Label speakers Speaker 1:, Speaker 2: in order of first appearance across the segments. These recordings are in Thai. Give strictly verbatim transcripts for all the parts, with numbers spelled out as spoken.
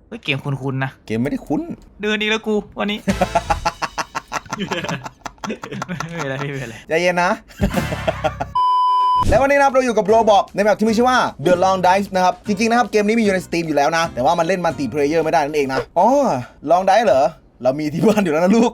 Speaker 1: เฮ้ยเกมคุ้นๆนะ
Speaker 2: เกมไม่ได้คุ้น
Speaker 1: เดินอีกแล้วกูวันนี้ไม่เป็นไรไม่เป็นไร
Speaker 2: ใจเย็นนะ แล้ววันนี้นะครับเราอยู่กับโรบอกในแบบที่มีชื่อว่า The Long Dive นะครับจริงๆนะครับเกมนี้มีอยู่ใน Steam อยู่แล้วนะแต่ว่ามันเล่นมัลติเพลเยอร์ไม่ได้นั่นเองนะอ๋อ Long Dive เหรอเรามีที่บ้านอยู่แล้วนะลูก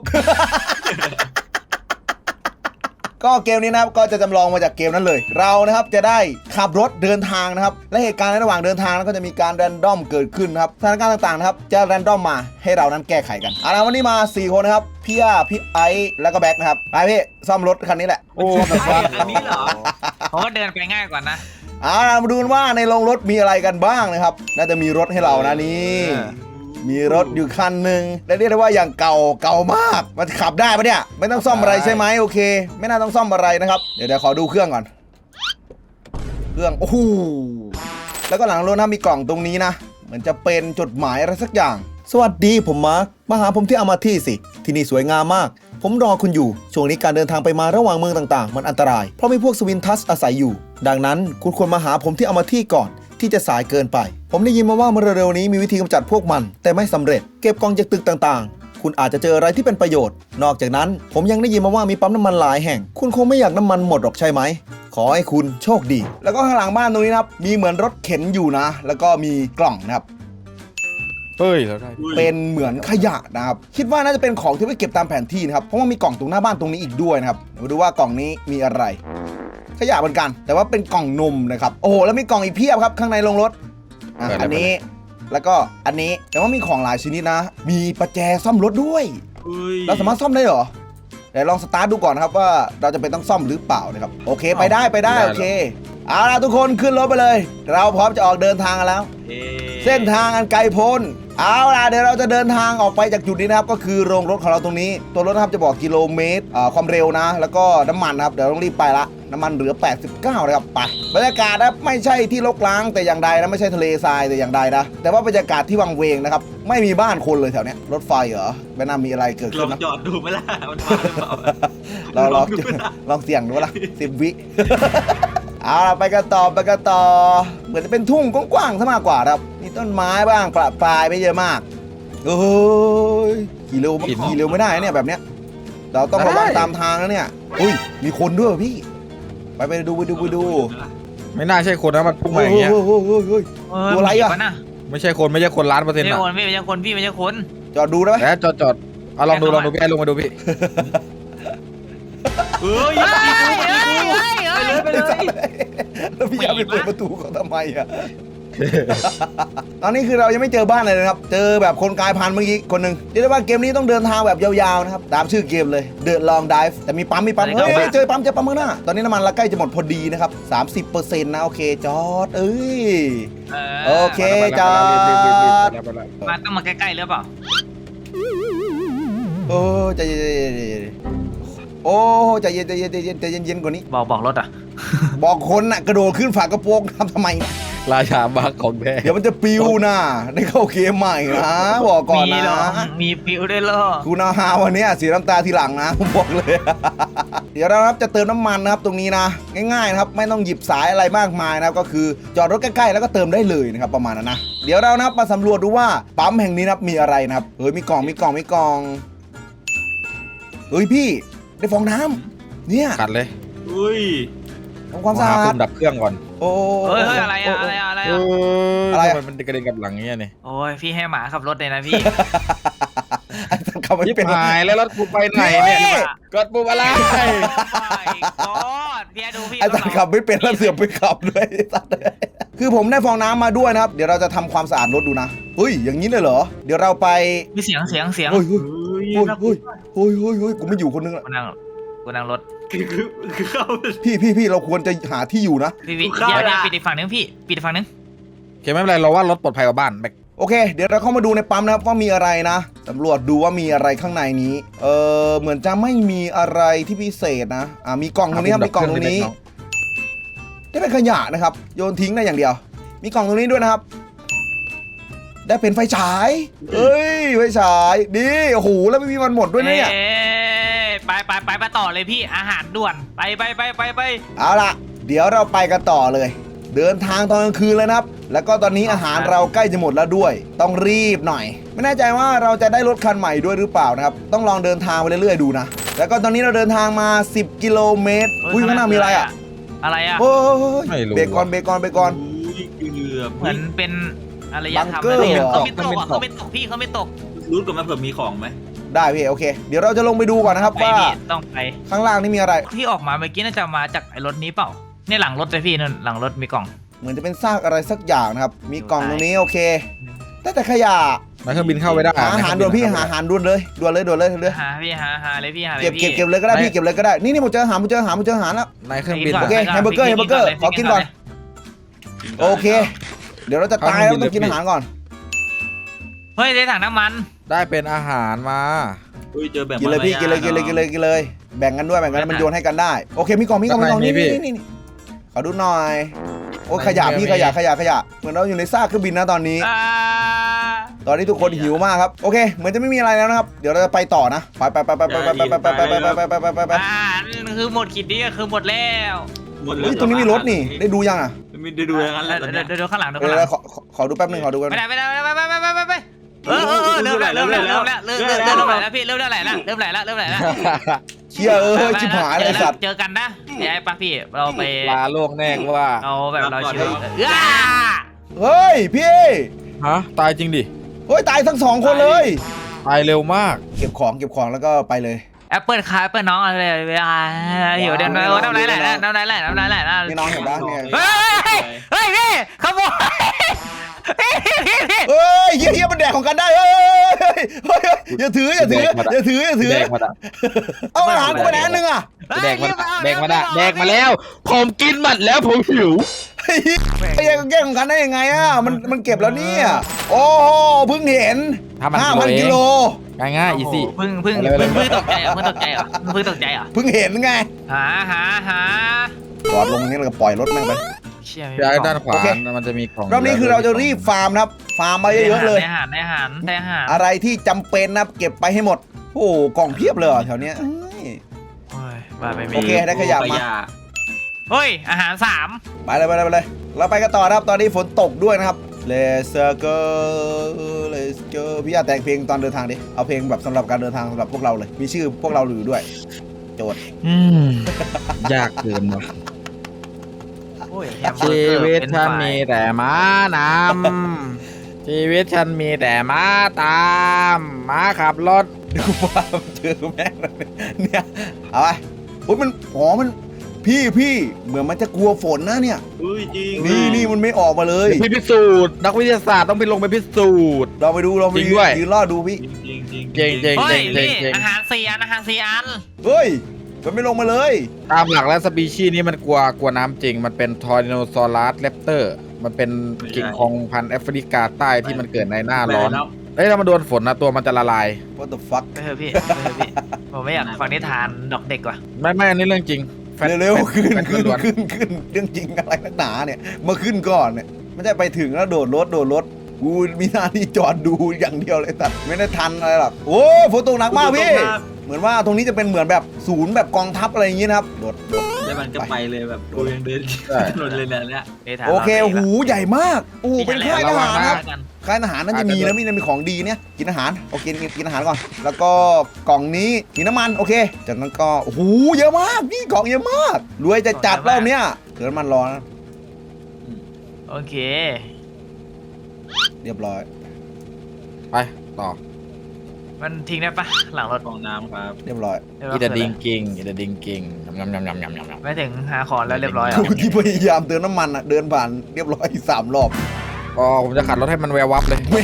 Speaker 2: ก็เกมนี้นะครับก็จะจำลองมาจากเกมนั้นเลยเรานะครับจะได้ขับรถเดินทางนะครับและเหตุการณ์ในระหว่างเดินทางก็จะมีการแรนดอมเกิดขึ้นนะครับสถานการณ์ต่างๆนะครับจะแรนดอมมาให้เรานั้นแก้ไขกันเอาละวันนี้มาสี่คนนะครับพี่อาพี่ไอซ์แล้วก็แบ็คนะครับไปพี่ซ่อมรถคันนี้แหละโอ้
Speaker 1: อันนี้เหรอผมก็เดินไปง่ายกว่านะ
Speaker 2: เอาล่ะมาดูกันว่าในโรงรถมีอะไรกันบ้างนะครับน่าจะมีรถให้เรานะนี่มีรถอยู่คันหนึ่งและเรียกได้ว่าอย่างเก่าเก่ามากมันขับได้ปะเนี่ยไม่ต้องซ่อมอะไรใช่ไหมโอเคไม่น่าต้องซ่อมอะไรนะครับเดี๋ยวเดี๋ยวขอดูเครื่องก่อนเครื่องโอ้โหแล้วก็หลังรถนะมีกล่องตรงนี้นะเหมือนจะเป็นจดหมายอะไรสักอย่างสวัสดีผมมาร์คมาหาผมที่อามาที่สิที่นี่สวยงามมากผมรอคุณอยู่ช่วงนี้การเดินทางไปมาระหว่างเมืองต่างๆมันอันตรายเพราะมีพวกสวินทัสอาศัยอยู่ดังนั้นคุณควรมาหาผมที่อามาที่ก่อนที่จะสายเกินไปผมได้ยินมาว่าเมื่อเร็วๆนี้มีวิธีกำจัดพวกมันแต่ไม่สำเร็จเก็บกองจากตึกต่างๆคุณอาจจะเจออะไรที่เป็นประโยชน์นอกจากนั้นผมยังได้ยินมาว่ามีปั๊มน้ำมันหลายแห่งคุณคงไม่อยากน้ำมันหมดหรอกใช่ไหมขอให้คุณโชคดีแล้วก็ข้างหลังบ้านตรงนี้นะครับมีเหมือนรถเข็นอยู่นะแล้วก็มีกล่องนะครับ
Speaker 3: เฮ้ยแล้วได้
Speaker 2: เป็นเหมือนขยะนะครับคิดว่าน่าจะเป็นของที่ไว้เก็บตามแผนที่นะครับเพราะว่ามีกล่องตรงหน้าบ้านตรงนี้อีกด้วยนะครับมาดูว่ากล่องนี้มีอะไรขยะเหมือนกันแต่ว่าเป็นกล่องนมนะครับโอ้โหแล้วมีกล่องอีกเพียบครับข้างในโรงรถอ่ะอันนี้แล้วก็อันนี้แต่ว่ามีของหลายชนิดนะมีประแจซ่อมรถด้วยเราสามารถซ่อมได้เหรอเดี๋ยวลองสตาร์ทดูก่อนนะครับว่าเราจะเป็นต้องซ่อมหรือเปล่านะครับโอเคไปได้ไปได้โอเคเอาล่ะทุกคนขึ้นรถไปเลยเราพร้อมจะออกเดินทางกันแล้วเส้นทางอันไกลโพ้นเอาล่ะเดี๋ยวเราจะเดินทางออกไปจากจุดนี้นะครับก็คือโรงรถของเราตรงนี้ตัวรถนะครับจะบอกกิโลเมตรความเร็วนะแล้วก็น้ำมันนะครับเดี๋ยวต้องรีบไปละน้ำมันเหลือแปดสิบเก้านะครับไปบรรยากาศนะไม่ใช่ที่รกร้างแต่อย่างใดนะไม่ใช่ทะเลทรายแต่อย่างใดนะแต่ว่าบรรยากาศที่วังเวงนะครับไม่มีบ้านคนเลยแถวเนี้ยรถไฟเหรอไม่น่ามีอะไรเกิดขึ้นนะ
Speaker 1: ลองจอดดูไหมล่ะมันมาหรือเปล่า
Speaker 2: เราลองลองเสี่ยงดูละสิบวิเอาล่ะไปกันต่อไปกันต่อเหมือนจะเป็นทุ่งกว้างๆซะมากกว่าครับมีต้นไม้บ้างประปรายไม่เยอะมากโอ้ยขี่เร็วขี่เร็วไม่ได้เนี่ยแบบเนี้ยเราต้องระวังตามทางนะเนี่ยอุ้ยมีคนด้วยพี่ไปไปดูไปดูไปดู
Speaker 3: ไม่น่าใช่คนนะมันพุ่งมาอย่างเงี้ย
Speaker 2: ตัวอะไรอ่ะ
Speaker 3: ไม่ใช่คนไม่ใช่คนล้านเปอร์เซ็นต์
Speaker 1: ไม่
Speaker 3: อะ
Speaker 1: ใช่คนไม่ใช่คนพี่ไม่ใช่คน
Speaker 2: จอดดูได้ไหม
Speaker 3: แล้วจอดจอดเอาลองดูลองดูพี่ไอ้ลงมาดูพี่
Speaker 1: เฮ้ยไปเลยไปเลย
Speaker 2: แล้วพี่ยาไปเปิดประตูเขาทำไมอ่ะตอนนี้คือเรายังไม่เจอบ้านเลยนะครับเจอแบบคนกลายพันธุ์เมื่อกี้คนหนึ่งเรียกได้ว่าเกมนี้ต้องเดินทางแบบยาวๆนะครับตามชื่อเกมเลย The Long Dive แต่มีปั๊มมีปั๊มเฮ้ยเจอปั๊มเจอปั๊มข้างหน้าตอนนี้น้ำมันละใกล้จะหมดพอดีนะครับ สามสิบเปอร์เซ็นต์ นะโอเคจอดเอ้ยโอเคจอด
Speaker 1: มาต้องมาใกล้ๆหรือเปล่า
Speaker 2: โอ้ใจเย็นโอ้ใจเย็นใจเย็นใจเย็นใจเย็นๆกว่านี้
Speaker 1: บอกบอกรถอ่ะ
Speaker 2: บอกคนน่ะกระโดดขึ้นฝากระโปรงทำทำไม
Speaker 3: ราชาบักของแท้
Speaker 2: เดี๋ยวมันจะปิวนะได้เข้าเกมใหม่นะบอกก่อนนะ
Speaker 1: มีปิวได้เหรอ
Speaker 2: คุณอาฮาวันนี้เสียน้ำตาทีหลังนะผมบอกเลยเดี๋ยวเราครับจะเติมน้ำมันนะครับตรงนี้นะง่ายๆนะครับไม่ต้องหยิบสายอะไรมากมายนะครับก็คือจอดรถใกล้ๆแล้วก็เติมได้เลยนะครับประมาณนั้นนะเดี๋ยวเรานะครับมาสำรวจดูว่าปั๊มแห่งนี้นะครับมีอะไรนะครับเฮ้ยมีกล่องมีกล่องมีกล่องเฮ้ยพี่ได้ฟองน้ำเนี่ย
Speaker 3: ขัดเลย
Speaker 1: อุ้ย
Speaker 2: ทำความสะอาด
Speaker 3: ดับเครื่องก่อน
Speaker 1: โอ้เฮ้ยอะไรอะอะไรอะอะไรอะ
Speaker 2: อะไร
Speaker 3: มันกระเด็นกับหลังเงี้ยนี่
Speaker 1: โอ้ยพี่ให้หมาขับรถเลยนะพี่
Speaker 2: ไอ้ตันขับไม่เป็น
Speaker 3: หายแล้วรถกูไปไหนเนี่ยกดปุ่มอะไร
Speaker 1: ก็พี่ดูพี่
Speaker 2: ไอ้ตันขับไม่เป็นแล้วเสือกไปขับด้วยตันคือผมได้ฟองน้ำมาด้วยนะครับเดี๋ยวเราจะทำความสะอาดรถดูนะเฮ้ยอย่างนี้เลยเหรอเดี๋ยวเราไป
Speaker 1: มีเสียงเสียงเสียง
Speaker 2: เฮ้ยเฮ้ยเฮ้ยเฮ้ยเฮ้ยเฮ้ยกูไม่อยู่คนนึงละ
Speaker 1: กูนั่งกูนั่งรถ
Speaker 2: พี่พี่พี่เราควรจะหาที่อยู่นะ
Speaker 1: พี่พี่เดี๋ยวปิดอีกฝั่งนึงพี่ปิดอีกฝั่งนึง
Speaker 3: โอเคไม่เป็นไรเราว่ารถปลอดภัยกว่าบ้านแม็ก
Speaker 2: โอเคเดี๋ยวเราเข้ามาดูในปั๊มนะครับว่ามีอะไรนะตำรวจดูว่ามีอะไรข้างในนี้เออเหมือนจะไม่มีอะไรที่พิเศษนะอ่ามีกล่องตรงนี้ครับมีกล่องตรงนี้ได้เป็นขยะนะครับโยนทิ้งได้อย่างเดียวมีกล่องตรงนี้ด้วยนะครับได้เป็นไฟฉายเอ้ยไฟฉายดีโอ้โหแล้วไม่มีมันหมดด้วยเนี่ย
Speaker 1: ไปไปไปไปต่อเลยพี่อาหารด่วนไปไปไปไปไป
Speaker 2: เอาล่ะเดี๋ยวเราไปกันต่อเลยเดินทางตอนกลางคืนเลยนะครับแล้วก็ตอนนี้อาหารเราใกล้จะหมดแล้วด้วย ต้องรีบหน่อย ไม่แน่ใจว่าเราจะได้รถคันใหม่ด้วยหรือเปล่านะครับต้องลองเดินทางไปเรื่อยๆดูนะแล้วก็ตอนนี้เราเดินทางมาสิบกิโลเมตรอุ้ยข้างหน้ามีอะไรอ่ะ
Speaker 1: อะไรอ่ะ
Speaker 2: โอ้ย
Speaker 3: ไม่รู้
Speaker 2: เบรกก่อนเบรกก่อนเบรกก่อน
Speaker 4: อุ้ยเกือบ
Speaker 1: เหมือนเป็นอะไรยะทำ
Speaker 2: บังเกอร์
Speaker 1: อะไร
Speaker 2: เหรอ
Speaker 1: เขาไม่ตกอ่ะเขาไม่ตกพี่เขาไม่ตก
Speaker 4: รู้ก่อนไหมเผื่อมีของไหม
Speaker 2: ได้พี่โอเค เดี๋ยวเราจะลงไปดูก่อนนะครับ
Speaker 1: ไป
Speaker 2: ว่า
Speaker 1: พี่ต้องไป
Speaker 2: ข้างล่างนี่มีอะไร
Speaker 1: ที่ออกมาเมื่อกี้น่าจะมาจากไอ้รถนี้เปล่าเนี่ยหลังรถเลยพี่นั่นหลังรถมีกล่อง
Speaker 2: เหมือนจะเป็นซากอะไรสักอย่างนะครับมีกล่องตรงนี้โอเคแต่แต่ขยะ
Speaker 3: แล้วเครื่องบินเข้าไม่ได้
Speaker 2: หาอาหารด่วนพี่หาอาหารด่วนเลยด่วนเลยด่วนเลยด่วนเลย
Speaker 1: หาพี่หาหาเลยพี่หาเลย
Speaker 2: เก็บ
Speaker 1: พี่
Speaker 2: เก็บเก็บเลยก็ได้พี่เก็บเลยก็ได้นี่นี่ผมเจออาหารผมเจออาหารผมเจออาหารแล้ว
Speaker 3: ในเครื่องบิน
Speaker 2: โอเคแฮมเบอร์เกอร์แฮมเบอร์เกอร์ขอกินก่อนโอเค เดี๋ยวเราจะตายแล้วต้องกินอาหารก่อน
Speaker 1: เฮ้ยได้ถังน้ำมัน
Speaker 3: ได้เป็นอาหารมา
Speaker 4: อุ้ยเจอแบบ
Speaker 2: กินเลยพี่กินเลยกินเลยกินเลยกินเลยแบ่งกันด้วยแบ่งกันมันโยนให้กันได้โอเคมีกล่องมีกล่องมีกล่องนี่นี่นี่ขอดูหน่อยโอ้ขยะพี่ขยะขยะขยะเหมือนเราอยู่ในซากเครื่องบินนะตอนนี้
Speaker 1: อ่า
Speaker 2: ตอนนี้ทุกคนหิวมากครับโอเคเหมือนจะไม่มีอะไรแล้วนะครับเดี๋ยวเราจะไปต่อนะไปไปไปไปไปไปไปไปไปไปไปไปไปไป
Speaker 1: อ่าคือหมดขีดนี้ก็คือหมดแล้ว
Speaker 4: หมดเล
Speaker 2: เฮ้
Speaker 4: ย
Speaker 2: ยตรงนี้มีรถนี่ได้ดูยังอ่ะ
Speaker 4: ไม่ได้ดูอย่างนั้นแหละตอน
Speaker 1: เดี๋
Speaker 4: เนี้
Speaker 1: ยวย เดี๋ยวข้างหลังดู
Speaker 2: เอ
Speaker 1: ข้างหลั
Speaker 2: อง ขอขอดูแป๊บนึงขอดูแป๊บ
Speaker 1: ไม่
Speaker 2: นึ
Speaker 1: ได้
Speaker 2: ง
Speaker 1: ไม่ได้ไม่ได้ไม่ได้ไม่ได้ไม่ได้เออเออเออเริ่มแล้วเริ่มแล้วเริ่มแล้วเริ่มเริ่มเริ่มไหลแล้วพี่เริ่มเริ่มไหลแล้วเริ่มไหลแล้วเริ่มไหลแล้ว
Speaker 2: เชี่ยเออชิบหายเลยสัตว์
Speaker 1: เจอกันนะไอ้ปะพี่เราไป
Speaker 3: ลาโลกแน่กว่า
Speaker 1: เอาแบบเราชิวเออ
Speaker 2: เฮ้ยพี่
Speaker 3: ฮะตายจริงดิ
Speaker 2: เฮ้ยตายทั้งสองคนเลย
Speaker 3: ตายเร็วมาก
Speaker 2: เก็บของเก็บของแล้วก็ไปเลย
Speaker 1: แอปเปิลคาแอปเปิลน้องอะไรเวลาหิวเดี๋ยวน้ำน้ำไหลไหลน้ำไหลไหลน้ำไหลไหล
Speaker 2: นี่น้องเห็นปะเนี่ย
Speaker 1: เฮ้ยเฮ้ยพี่ขโมยพี่พี่พี่
Speaker 2: เฮ้ยเฮียเฮียมันแดกของกันได้เฮ้ยเฮ้ยเฮ้ยอย่าถืออย่าถืออย่าถืออย่าถือ
Speaker 3: แดกมาละ
Speaker 2: เอาอาหารกูไปไหนอันนึงอ่ะ
Speaker 3: แดกมาแดกมาละแดกมาแล้ว ผมกินหมดแล้วผมหิว
Speaker 2: เฮ้ยไอ้ยังแย่งของกันได้ยังไงอ่ะมันมันเก็บแล้วเนี่ยโอ้โหเพิ่งเห็น ห้าพันกิโล
Speaker 3: ง่ายง่ายอีซี่
Speaker 1: เพิ่งเพิ่งเพิ่งเพิ่งตกใจอ่ะเพิ่งตกใจอ่ะเพิ่งตกใจอ่ะ
Speaker 2: เพิ่งเห็นไง
Speaker 1: หาหาหา
Speaker 2: จอดลงนี่เราก็ปล่อยรถแม่งไป
Speaker 1: เชี่ย
Speaker 3: ย้ายด้านขวา
Speaker 2: โอเค
Speaker 3: มันจะมีของ
Speaker 2: รอบนี้คือเราจะรีบฟาร์มนะครับฟาร์มมาเยอะๆเลย
Speaker 1: ได้อาหารได้อาหารได้อาหาร
Speaker 2: อะไรที่จำเป็นนะครับเก็บไปให้หมดโอ้โหกล่องเพียบเลยเหรอแถวเนี้ยเอ้ย
Speaker 1: โอ้ยบ้าไป
Speaker 2: โอ
Speaker 1: ไม่
Speaker 2: เคได้ขยะมา
Speaker 1: เฮ้ยอาหารสาม
Speaker 2: ไปเลยไปเลยไปเลยเราไปกันต่อนะครับตอนนี้ฝนตกด้วยนะครับ Let's go Let's go พี่อยากแต่งเพลงตอนเดินทางดิเอาเพลงแบบสำหรับการเดินทางสำหรับพวกเราเลย มีชื่อพวกเราอยู่ด้วย โจทย์
Speaker 3: อืมยากเกินว่ะ
Speaker 1: โอ้ย
Speaker 3: ชีวิตฉันมีแต่ม้านำชีวิตฉันมีแต่ม้าตามม้าขับรถ
Speaker 2: ดูว่าเจอแม่งเลยเนี่ยเอาไปอุ้ยมันอ๋อมันพี่พี่เหมือนมันจะกลัวฝนนะเนี่ย
Speaker 4: อุ้ยจริง
Speaker 2: นี่นี่มันไม่ออกมาเลย
Speaker 3: พี่พิสูจน์นักวิทยาศาสตร์ต้องไปลงไปพิสูจน์
Speaker 2: เราไปดูเราไป
Speaker 3: จริงด้วย
Speaker 2: ยืนรอดูพี่
Speaker 4: จริงจริง
Speaker 3: เก่งเก่ง
Speaker 1: เฮ้ย
Speaker 3: เจ๋ง
Speaker 1: นี่
Speaker 3: เจ๋ง
Speaker 1: อาหารสี่อันอาหารสี่อัน
Speaker 2: เฮ้ยมันไม่ลงมาเลย
Speaker 3: ตามหลักแล้วสปีชีส์นี้มันกลัวกลัวน้ำจริง มันเป็นทอร์ดิโนซอรัสแรปเตอร์ มันเป็นกิ่งของพันธุ์แอฟริกาใต้ที่มันเกิดในหน้าร้อนเอ้ยถ้ามันโดนฝนนะตัวมันจะละลาย
Speaker 2: What the fuck
Speaker 1: ไปเถอะพี่ไปเถอะพี่ผมไม่อยากฟังนิทานดอกเด็กว่ะ
Speaker 3: ไม่ไม่อันนี้เรื่องจริงแฟต
Speaker 2: เร็ว
Speaker 3: แฟต
Speaker 2: ๆขึ้น
Speaker 3: แฟต
Speaker 2: ขึ้น
Speaker 3: ล้วน
Speaker 2: ขึ้นขึ้นเรื่องจริงอะไรนักหนาเนี่ยมาขึ้นก่อนเนี่ยไม่ใช่ไปถึงแล้วโดดรถโดดรถกูมีหน้าที่จอดดูอย่างเดียวเลยตัดไม่ได้ทันอะไรหรอกโอ้ฝนตกหนักมากพี่เหมือนว่าตรงนี้จะเป็นเหมือนแบบศูนย์แบบกองทัพอะไรอย่างงี้นะครับโดดโดด
Speaker 4: แล้วมันก็ไปเลยแบบกูยังเดินถนนเลยเนี่ย
Speaker 1: นิทาน
Speaker 2: โอเคหูใหญ่มากโอ้เป็นค่ายทหารครับ
Speaker 1: กัน
Speaker 2: ค่ายทหารน่าจะมีแล้วมีมีของดีเนี่ยกินอาหารโอเคกินกินอาหารก่อน แล้วก็กล่องนี้มีน้ำมันโอเคจากนั้นก็โอ้โหเยอะมากนี่กล่องเยอะมากรวยจะจัดรอบเนี้ยเดี๋ยวน้ำมันร้อน
Speaker 1: โอเค
Speaker 2: เรียบร้อย
Speaker 3: ไปต่อ
Speaker 1: มันทิ้งได้ปะหลังรถ
Speaker 4: ของน้ำครับ
Speaker 2: เรียบร้อย
Speaker 3: อีเดดิงกิงอีเดดิงกิงยำยำยำยำยำยำ
Speaker 1: ไม่ถึงหาของแล้วเรียบร้อยอ่ะ
Speaker 2: กูที่พยายามเติมน้ำมันอ่ะเดินผ่านเรียบร้อยสามรอบ
Speaker 3: อ๋อผมจะขัดรถให้มันแวววับเลย
Speaker 2: แม่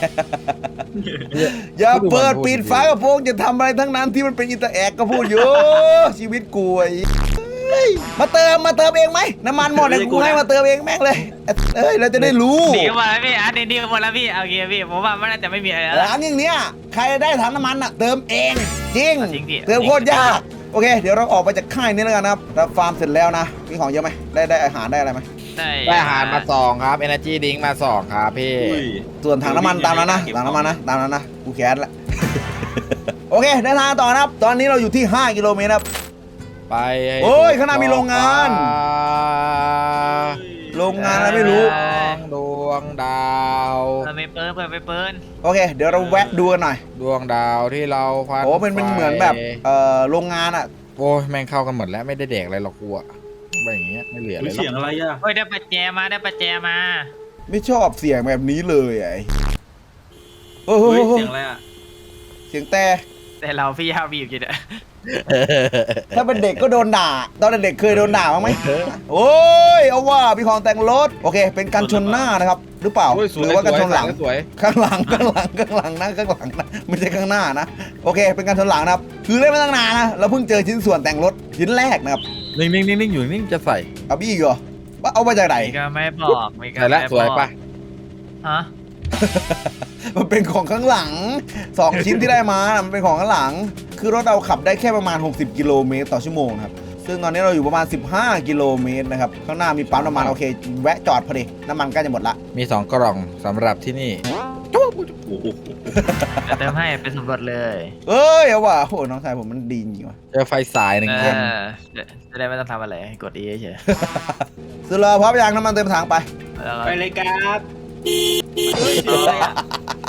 Speaker 2: อย่าเปิดปิดฝากระโปรงจะทำอะไรทั้งนั้นที่มันเป็นอินเตอร์แอคก็พูดอยู่ ชีวิตกูไอ้เฮ้ยมาเติมมาเติมเองไหมน้ำมันหมดเลยกูให้มาเติมเองแม่งเลยเอ้ยเราจะได้รู้
Speaker 1: ดีกันหมดแล้วพี่อันนี้ดีกันหมดแล้วพี่โอเคพี่ผมว่ามันน่าจะไม่มีอะไรแล้ว
Speaker 2: ร้านอย่างเนี้ยใครได้ถังน้ำมันอ่ะเติมเองจริง
Speaker 1: จริงพี่
Speaker 2: เติมโคตรยากโอเค เดี๋ยวเราออกไปจากค่ายนี้แล้วกันนะครับเราฟาร์มเสร็จแล้วนะมีของเยอะไหมได้ได้อาหารได้อะไรไหม
Speaker 1: ได้
Speaker 3: ได้อาหารมาสองครับ Energy Drink มาสองครับพี่
Speaker 4: อุ้ย
Speaker 2: ส่วนถังน้ำมันตามนั้นนะถังน้ำมันนะตามนั้นนะกูแค้นละ โอเคเดินทางต่อนะครับ ตอนนี้เราอยู่ที่ห้ากิโลเมตรครับ
Speaker 3: ไปให้
Speaker 2: โอ้ยข้างหน้ามีโรงงาน
Speaker 3: ถ
Speaker 2: โรงงานอะไรไม่รู้
Speaker 3: ดวงดาว
Speaker 1: เปิดไปเปิดเปิดไปเปิด
Speaker 2: โอเค เดี๋ยวเราแวะดูกันหน่อย
Speaker 3: ดวงดาวที่เราพัน
Speaker 2: โอ้มันเป็นเหมือนแบบเอ่อโรงงานอ่ะ
Speaker 3: โอ้ยแม่งเข้ากันหมดแล้วไม่ได้แดกอะไรหรอกกูอะแบบอย่างเงี้ยไม่เหลืออะไรหร
Speaker 4: เสียง
Speaker 3: อก
Speaker 4: อะไรอ่ะ
Speaker 1: เฮ้ยได้ปัจแจมาได้ปัจแจมา
Speaker 2: ไม่ชอบเสียงแบบนี้เลยไอ้โอ้โห
Speaker 4: เฮ้ยเสียงอะไรอ่ะ
Speaker 2: เสียงแต่
Speaker 1: แต่เราพี่ฮาบีบกินอะ
Speaker 2: ถ้าเป็นเด็กก็โดนด่า ตอนเด็กๆเคยโดนด่าบ้างไหมโอ้ยเอาว่ามีของแต่งรถโอเค เป็นการชนหน้านะครับ หรือเปล่า
Speaker 3: โอ้ยส
Speaker 2: ห
Speaker 3: วย
Speaker 2: รือว่าการชนหลัง
Speaker 3: สวย
Speaker 2: ข้างหลังข้างหลังข้างหลังนะข้างหลังนะไม่ใช่ข้างหน้านะโอเค เป็นการชนหลังนะครับคือเล่นมาตั้งนานนะเราเพิ่งเจอชิ้นส่วนแต่งรถชิ้นแรกนะครับ
Speaker 3: นิ่งนิ่งนิ่งนิ่งอยู่นิ่งจะใส่
Speaker 2: เอาบี้อีกเหรอว่าเอามาจากไหน
Speaker 1: มีก็ไม่บอกมีก็
Speaker 3: ใส่แล้ว
Speaker 1: ไม่
Speaker 3: สวย
Speaker 1: บอก
Speaker 3: ปะ
Speaker 1: ฮะ
Speaker 2: มันเป็นของข้างหลังสองชิ้นที่ได้มามันเป็นของข้างหลัง คือรถเราขับได้แค่ประมาณหกสิบกิโลเมตรต่อชั่วโมงนะครับซึ่งตอนนี้เราอยู่ประมาณสิบห้ากิโลเมตรนะครับข้างหน้ามีปั๊มน้ำมันโอเคแวะจอดพอดีน้ำมันใกล้จะหมดละ
Speaker 3: มีสองกล่องสำหรับที่นี่
Speaker 4: โอ้โห
Speaker 1: เดี๋ยวเติมให้ไปสำรวจเลย
Speaker 2: เอ้ยเอาว่ะโอ้น้องชายผมมันดีจริงว่ะ
Speaker 3: เจอไฟสายหนึ่ง
Speaker 1: เอ
Speaker 3: แท่ง
Speaker 1: อจะได้ไม่ต้องทำอะไรกด E เฉย
Speaker 2: สุดเลยพร้อมยังน้ำมันเต็มถังไป
Speaker 1: แล้วก็
Speaker 4: ไปเลยครับเฮ้ยเสียงอะไรอ่ะ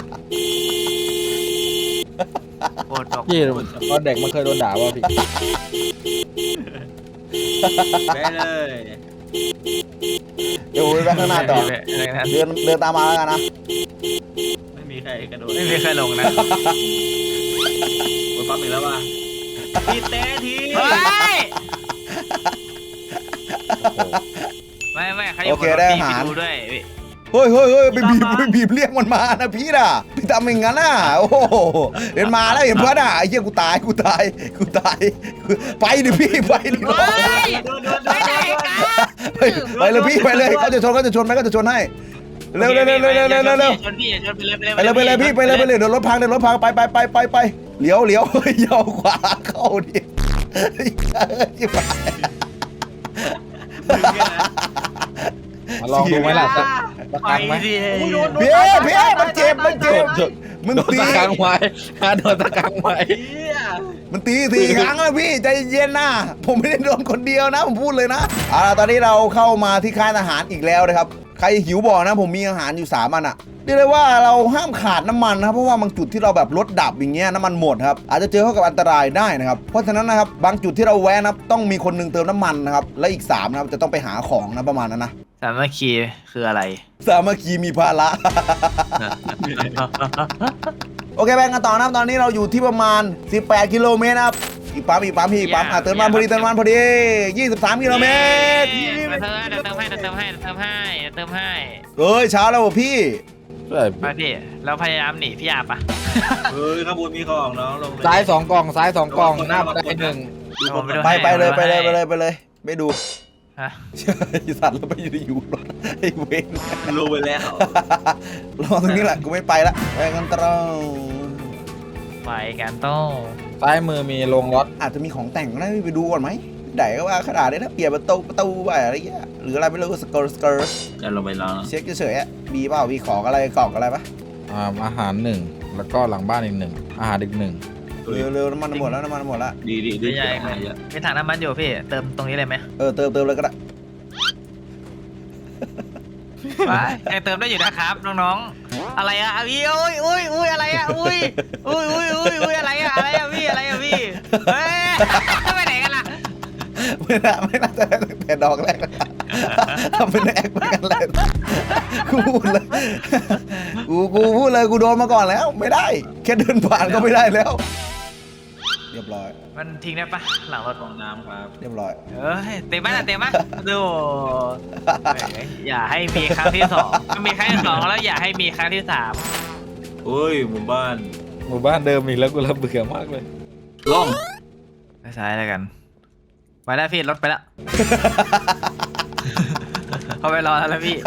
Speaker 1: โคตรตก
Speaker 3: พี่ตอนเด็กมันเคยโดนด่าว่าพี่
Speaker 4: ไปเลย
Speaker 2: เดี๋ยวไปข้างหน้าต่อเดินเดินตามมาแล้วกันนะ
Speaker 4: ไม่มีใครกระโดด
Speaker 1: ไม่มีใครลงนะ
Speaker 4: บนปั๊มอีกแล้วว่ะพี่เต้ที
Speaker 1: เฮ้ยไม่ไม่ใครอยู่บนรถพี่ไปดูด้วย
Speaker 2: เฮ้ยเฮ้ยเฮ้ยไปบีบไปบีบเรียกมันมานะพี่น่ะพี่ทำอย่างนั้นน่ะโอ้โหเห็นมาแล้วเห็นเพื่อนอ่ะไอ้เหี้ยกูตายกูตายกูตายไปดิพี่ไปดิ
Speaker 1: เฮ้ย
Speaker 4: โดนโดนโด
Speaker 1: ไป
Speaker 4: น
Speaker 1: ไหนกัน
Speaker 2: ไปไปเลยพี่ไปเลยเขาจะชนเขาจะชนไหมเขาจะชนให้เร็วเร็วเร็วเร็วเร็วเร็วเร็วเร็ว
Speaker 1: ชนพี่ชนไปเลย
Speaker 2: ไปเลยไปเลยพี่ไปเลยไปเลยเดี๋ยวรถพังเดี๋ยวรถพังไปไปไปไปไปเลี้ยวเลี้ยวเลี้ยวขวาเข้าดิ
Speaker 3: มาลองดูไหมล่ะตะตะ
Speaker 1: ไป
Speaker 3: กังไหม
Speaker 1: สิ
Speaker 2: พี่พี่มันเจ็บมันเจ็บมึง
Speaker 3: โดน
Speaker 2: ตี
Speaker 3: ตะกังไว้โดนตะกังไว้
Speaker 2: มันตีสี่ครั้งแล้วพี่ใจเย็นนะผมไม่ได้โดนคนเดียวนะผมพูดเลยนะเอาล่ะตอนนี้เราเข้ามาที่ค่ายทหารอีกแล้วนะครับใครหิวบอกนะผมมีอาหารอยู่สามอันอะเรียกได้ว่าเราห้ามขาดน้ำมันนะครับเพราะว่าบางจุดที่เราแบบรถดับอย่างเงี้ยน้ำมันหมดครับอาจจะเจอเข้ากับอันตรายได้นะครับเพราะฉะนั้นนะครับบางจุดที่เราแวะนะต้องมีคนหนึงเติมน้ำมันนะครับและอีกสามนะครับจะต้องไปหาของนะประมาณนั้นนะ
Speaker 1: สามัคคีคืออะไร
Speaker 2: สามัคคีมีภาระ โอเคแบ่งกันต่อนะครับตอนนี้เราอยู่ที่ประมาณสิบแปดกิโลเมตรนะครับอีกปั๊มอีกปั๊มพี่อีกปั๊มอ่ะเติมน้ำมันพอดีเติมน้ำมันพอดียี่สิบสามกิโลเมตร
Speaker 1: เติมให้เติมให้เติมให้เติมให้เติมให้
Speaker 2: เอ้ยเช้าแล้วว่ะพี่
Speaker 3: ใช่
Speaker 1: ไปพี่เราพยายามหนีพี่อาปะ
Speaker 4: เฮ้ยข้างบนมีของน้องลงเลย
Speaker 3: ซ้ายสองกล่องซ้ายสองกล่องหน้าบันไดหนึ่ง
Speaker 2: ไปไปเลยไปเลยไปเลยไปเลยไม่ดู
Speaker 1: ฮะ
Speaker 2: สัตว์แล้วไปอยู่อยู่รถไอ้เวน
Speaker 4: ลงไปแล้ว
Speaker 2: รอตรงนี้แหละกูไม่ไปละไปกันตรง
Speaker 1: ไปกันโต้
Speaker 3: ซ้ายมือมีโรงรถ
Speaker 2: อาจจะมีของแต่งนะไปดูก่อนไหมไหนก็ว่าขนาดนี้นะเปลี่ยนประตูประตูไปอะไรเงี้ยหรืออะไรไม่รู้สเกิร์สเกิร์
Speaker 4: จะลงไปแล้ว
Speaker 2: เช็คเฉยๆอะมีเปล่ามีของอะไรกล่องอะไรปะ
Speaker 3: อ่าอาหารหนึ่งแล้วก็หลังบ้านอีกหนึ่งอาหารอีกหนึ่ง
Speaker 2: เร็วเร็วน้ำมันหมดแล้วน้ำมันหมดแล้ว
Speaker 4: ดีดีดี
Speaker 1: ใหญ่มีถังน้ำมันอยู่พี่เติมตรงนี้เลยไหม
Speaker 2: เออเติมเติมเลยก็ได้
Speaker 1: ไปยังเติมได้อยู่นะครับน้องๆอะไรอะพี่อุ้ยอุ้ยอุ้ยอะไรอะอุ้ยอุ้ยอุ้ยอุ้ยอุ้ยอะไรอะอะไรอะพี่อะไรอะพี่เฮ้ยจะไปไหนกันล่ะ
Speaker 2: ไม่น่าไม่น่าจะได้ตั้งแต่ดอกแรกนะทำเป็นแอคไปกันเลยกูพูดเลยกูกูพูดเลยกูโดนมาก่อนแล้วไม่ได้ แค่เดินผ่านก็ไม่ได้แล้ว เรียบร้อย
Speaker 1: มันทิ้งได้ปะหลังรถ
Speaker 4: ของน้ำครับ
Speaker 2: เรียบร้อย
Speaker 1: เอ้ยเต็มไหมล่ะเต็มไหมดูอย่าให้มีครั้งที่สองมีครั้งที่สองแล้วอย่าให้มีครั้งที่สาม
Speaker 4: เฮ้ยหมู่บ้าน
Speaker 3: หมู่บ้านเดิมอีกแล้วกูระเบื่อมากเลย
Speaker 4: ล่อง
Speaker 1: ไปซ้ายแล้วกันไปแล้วพี่รถไปแล้วเขาไปรอแล้วพี่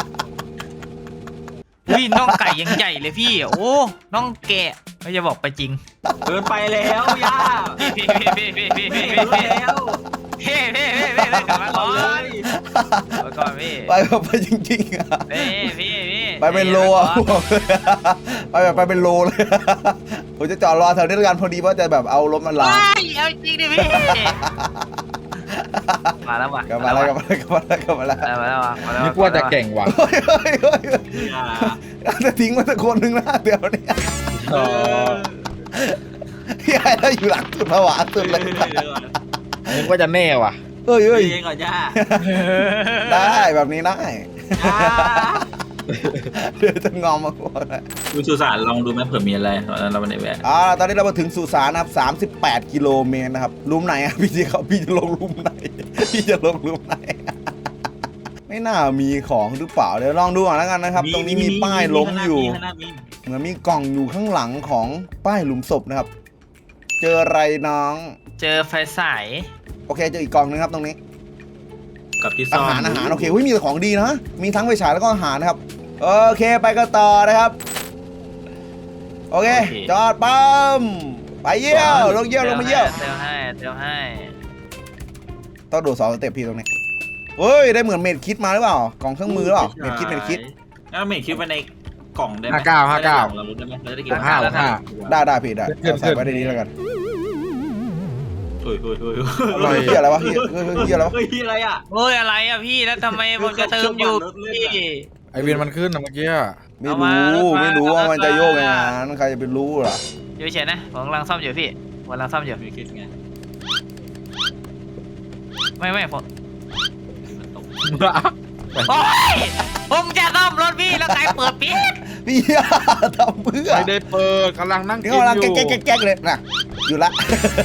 Speaker 1: อุ้ยน่องไก่ยังใหญ่เลยพี่โอ้น่องแกะไม่จะบอกไปจริง
Speaker 4: เดินไปแล้วย่า
Speaker 1: พี่พี่พี่พี่พี่พี่
Speaker 4: ไม่
Speaker 1: พี่
Speaker 4: เห็น
Speaker 1: พี่
Speaker 4: แล้ว
Speaker 1: พี่พี่พี่พี่พี่กลับมาก่อน
Speaker 4: เลย
Speaker 1: ไปก่อนพี่
Speaker 2: ไปแบบไปจริงๆอะ
Speaker 1: พี่พี่พี่
Speaker 2: ไปเป็นโลอะบอกเลยไปแบบไปเป็นโลเลยผมจะจอดรอแถวนี้แล้วกันพอดีว่าจะแบบเอารถมาล้าง
Speaker 1: ว้ายเอาจริงดิพี่มาแล้วว่ะ
Speaker 2: กลับมาแล้วกลับมาแล้วกลับมาแล้วกลับมาแล้ว
Speaker 1: มาแล้วว่ะมาแล้ว
Speaker 3: นี่กว่าจะเก่งว่ะ
Speaker 2: เฮ้ยเฮ้ยเฮ้ย
Speaker 4: อย่า
Speaker 2: จะทิ้งมาสักคนหนึ่งนะเดี๋ยวนี้
Speaker 3: อ๋อ
Speaker 2: พี่ไอ้เราอยู่หลังสุดผวาสุดเลย
Speaker 3: นึกว่าจะแน่ว่ะ
Speaker 2: เฮ้ย
Speaker 4: เฮ้
Speaker 2: เฮ้
Speaker 4: ย
Speaker 2: ย
Speaker 4: ก่อนย่า
Speaker 2: ได้แบบนี้ได้
Speaker 4: ย่า
Speaker 2: เดี๋ยวจะงอมมาก่อน
Speaker 4: ดูสุสานลองดูไหมเผื่อมีอะไรตอนนั้นเราไม่ได้แวะ
Speaker 2: อ่าตอนนี้เรามาถึงสุสานนะครับสามสิบแปดกิโลเมตรนะครับหลุมไหนอ่ะพี่จะเขาพี่จะลงหลุมไหนพี่จะลงหลุมไหนไม่น่ามีของหรือเปล่าเดี๋ยวลองดูก่อนแล้วกันนะครับ ตรงนี้มีป้ายล้มอยู่
Speaker 4: ข้างหน้ามี
Speaker 2: เหมือนมีกล่องอยู่ข้างหลังของป้ายหลุมศพนะครับ เจออะไรน้อง
Speaker 1: เจอไฟฉาย
Speaker 2: โอเคเจออีกกล่องนึงครับตรงนี้
Speaker 4: กับที่ซ่
Speaker 2: อา
Speaker 4: อน
Speaker 2: หารอาหารโอเคเฮ้ยมีแต่ของดีนะมีทั้งไฟฉายแล้วก็อาหารนะครับโอเคไปกันต่อนะครับโอเคจอดปั๊มไปเยี่ยวลงเยี่ยวลงมาเยี่ยว
Speaker 1: เตียวให้เตียวให้
Speaker 2: ต้องโดดสองสเต็ปพี่ตรงนี้เฮ้ยได้เหมือนเมดคิดมาหรือเปล่ากล่องเครื่องมือหรือเปล่าเมดคิดเมดคิด
Speaker 4: แล้วเมดคิดไว้ในกล่องได้ไหม
Speaker 3: ห้าเก้าห้าเก้า
Speaker 4: เรารู้ได้ไหมเราจะได้กิน
Speaker 3: ห้าห้า
Speaker 2: ได้ได้พี่ได้
Speaker 3: ขึ้น
Speaker 2: เอาใส่ไว้ในนี้แล้วกัน
Speaker 4: เฮ้ยเฮ้ยเฮ้ย
Speaker 3: อร่อย
Speaker 2: เฮียอะไรวะเฮียเฮ้ยเฮ้ยเฮียอะไรวะ
Speaker 4: เฮ้ยอะไรอ่ะ
Speaker 1: โอ้ยอะไรอ่ะพี่แล้วทำไมผมจะเติมอยู่พี่
Speaker 3: ไอวินมันขึ้นนะเมื่อกี้อะ
Speaker 2: ไม่
Speaker 1: เอามา
Speaker 2: รู้
Speaker 1: เอามา
Speaker 2: ไม่รู้ว่ามันจะโยกยังไง
Speaker 1: เอามา
Speaker 2: นั้นใครจะไปรู้ล่ะ
Speaker 1: อยู่เฉยนะผมกำลังซ่อมอยู่พี่ผมกำลังซ่อมอยู่
Speaker 4: ไม่คิดไง
Speaker 1: ไม่ไม่ผม
Speaker 4: มันตก
Speaker 1: โอ้ยผมจะซ่อมรถพี่แล้วใครเปิดปิด
Speaker 2: พี่ทำเพื่อ
Speaker 3: ไม่ได้เปิดกำลังนั่ง
Speaker 2: นี่
Speaker 3: กิน
Speaker 2: กำลัง
Speaker 3: อยู่
Speaker 2: แก๊กแก๊กแก๊กเลยน่ะอยู่ละ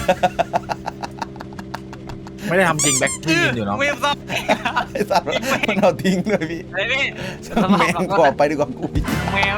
Speaker 3: ไม่ได้ทำจริงแบ็คที่ยืนอยู่เนาะ
Speaker 1: ไม่ซ่อม
Speaker 2: ไอ้สัตว์มันเอาทิ้งเลยพี่
Speaker 1: ไอ้พี่
Speaker 2: แมงกอบไปดีกว่ากูอีก
Speaker 1: แมว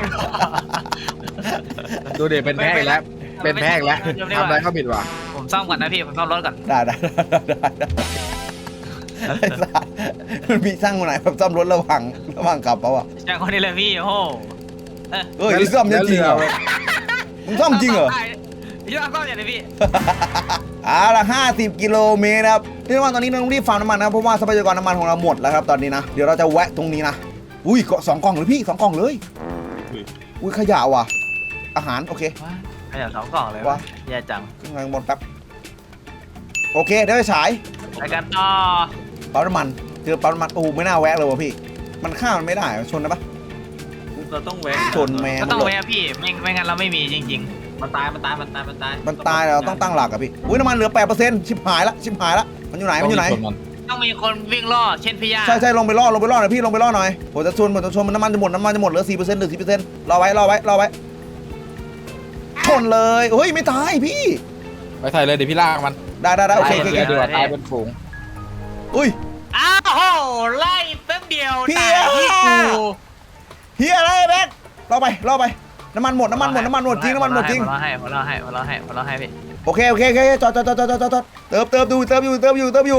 Speaker 3: ดูเด็เป็นแพกแล้วเป็นแพกแล้วทำอะไรก็ผิดว่ะ
Speaker 1: ผมซ่อมก่อนนะพี่ผมซ่อมรถก่อน
Speaker 2: ได้ได้ได้ได้ได้ไอ้สัตว์มันมีช่างคนไหนแบบซ่อมรถระหว่างระหว่างขับเปล่าวะ
Speaker 1: จากคนนี้เลยพี่โอ้โห
Speaker 2: เฮ้ยนี่ซ่อมจริงเหรอมึงซ่อมจริงเหรอ
Speaker 1: พี่ซ่อมอย่างไรพี่
Speaker 2: อ่าละห้าสิบกิโลเมตรครับที่ว่าตอนนี้เราต้องรีบฟาร์มน้ำมันนะเพราะว่าทรัพยากรน้ำมันของเราหมดแล้วครับตอนนี้นะเดี๋ยวเราจะแวะตรงนี้นะอุ้ยเกาะสองกล่องเลยพี่สองกล่องเลยอุ้ยขยะว่ะอาหารโอเค
Speaker 1: ขยับสองกล่องเลยวะแย่จัง
Speaker 2: ขึ้นทางบนแป๊บโอเคเดี๋ยวไปฉาย
Speaker 1: ไปกันต่อ
Speaker 2: ปั๊มน้ำมันเจอปั๊มน้ำมันโอ้ไม่น่าแวะเลยวะพี่มันข้ามมันไม่ได้ชนได้ปะ
Speaker 4: เราต้องแวะ
Speaker 2: ชนแมง
Speaker 1: ก็ต้องแวะพี่ไม่ไม่งั้นเราไม่มีจริง
Speaker 4: มันตายมันตายมันตายมันตาย
Speaker 2: มันตายเราต้องตั้งหลักอะพี่อุ้ยน้ำมันเหลือแปดเปอร์เซ็นต์ชิบหายละชิบหายละมันอยู่ไหนมันอยู่ไหน
Speaker 1: ๆ ต้องมีคนวิ่งล่อเช่นพี่ย่า
Speaker 2: ใช่ใช่ลงไปล่อลงไปล่อหน่อยพี่ลงไปล่อหน่อยผมจะชนผมจะชนมันน้ำมันจะหมดน้ำมันจะหมดเหลือสี่เปอร์เซ็นต์เหลือสี่เปอร์เซ็นต์รอไว้รอไว้รอไว้ชนเลยเฮ้ยไม่ตายพี่
Speaker 3: ไปใส่เลยเดี๋ยวพี่ลากมัน
Speaker 2: ได้ได้ได้โอเคโอเค
Speaker 3: เดี๋
Speaker 2: โอ
Speaker 3: ยว
Speaker 2: เค
Speaker 3: ดีกว่าตายเป็นฝูง
Speaker 2: อุ้ย
Speaker 1: อ้าวโหไล่แป๊บเดียว
Speaker 2: พี่
Speaker 1: ตายที่กู
Speaker 2: เฮียอะไรแบ๊กรอไปรอไปน้ำมันหมดน้ำมันหมดน้ำมันหมดจริงน้ำมันหมดจริง
Speaker 1: หัวเราะให้หัวเราะให้หัวเราะให้หัวเราะให้พี่
Speaker 2: โอเคโอเคโอเคจอดจอดจอดจอดจอดจอดเติมเติมดูเติมอยู่เติมอยู่เติมอยู่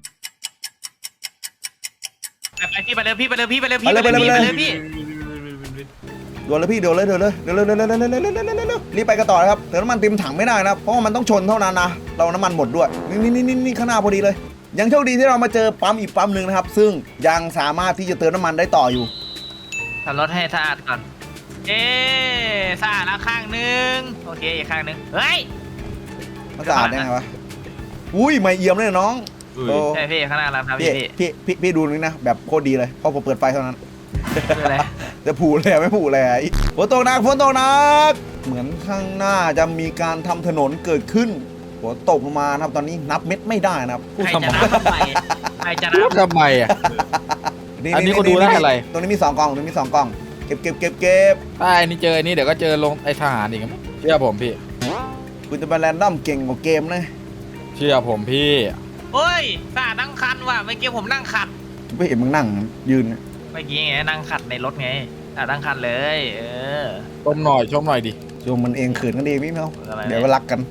Speaker 1: ไปไปพี่ไปเลยพี่ไปเลยพี่ไปเลยพี่
Speaker 2: ไปเลยไปเลย
Speaker 1: ไป
Speaker 2: ไป
Speaker 1: เล
Speaker 2: เลย
Speaker 1: ยพี่
Speaker 2: เดี๋ยวเลยพี่เดี๋ยวเลยเดี๋ยวเลยเดี๋ยวเลยเดี๋ยวเลยเดี๋ยวเลยเดี๋ยวเลยเดี๋ยวเลยเดี๋ยวเลยรีบไปกันต่อนะครับเติมน้ำมันเต็มถังไม่ได้นะเพราะว่ามันต้องชนเท่านั้นนะเราน้ำมันหมดด้วยนี่นี่นี่นี่ข้างหน้าพอดีเลยยังโชคดีที่เรามาเจอปั๊มอีกปั๊มหนึ่งนะครับซึ่งยังสามารถที่จะเติมน้ำมันได้ต่ออยู่
Speaker 1: ทำรถให้สะอาดก่อนเอ๊สะอาดแล้วข้างนึงโอเคอีกข้างนึงเฮ้ย
Speaker 2: มันสะอาดได้ไงวะอุ้ยไม่เอี่ยมเลยน้องโอ้
Speaker 1: ใช่พี่ข้างหน้าเราทำ
Speaker 2: พี่
Speaker 1: พี่
Speaker 2: พี่พี่พี่ดูนี่นะแบบโคตรดีเลยเพราะผมเปิดไฟเท่านั้น
Speaker 1: คืออะไร
Speaker 2: จะผูเลยไม่ผูเลยฝนตกหนักฝนตกหนักเหมือนข้างหน้าจะมีการทำถนนเกิดขึ้นฝนตกลงมานะครับตอนนี้นับเม็ดไม่ได้นะครับพูด
Speaker 1: ใคร
Speaker 2: สม
Speaker 1: จะ
Speaker 2: อง
Speaker 1: นับทำไมใครจะนั
Speaker 3: พู
Speaker 1: บ
Speaker 3: ดทำไมอ่ะ อันนี้ก็ดูได้อะไร
Speaker 2: ตรงนี้มีสองกล่องตรงนี้มีสองกล่องเก็บเก็บเก็บเก็บ
Speaker 3: ถ้าไอ้นี่เจอไอ้นี่เดี๋ยวก็เจอลงไอ้ทหารอีกครับเชื่อผมพี่
Speaker 2: คุณจะมาแรนดอมเก่งกว่าเกมนะ
Speaker 3: เชื่อผมพี่
Speaker 1: เฮ้ยสะอาดนั่งคันว่ะเมื่อกี้ผมนั่งขัด
Speaker 2: ไม่เห็นมึงนั่งยืนนะ
Speaker 1: เมื่อกี้ไงนั่งขัดในรถไงสะอาดนั่งคันเลยเออ
Speaker 3: ชมหน่อยชมหน่อยดิ
Speaker 2: ชมมันเองขืนกันเองพี่เมา
Speaker 1: อะไร
Speaker 2: เดี๋ยวไปรักกัน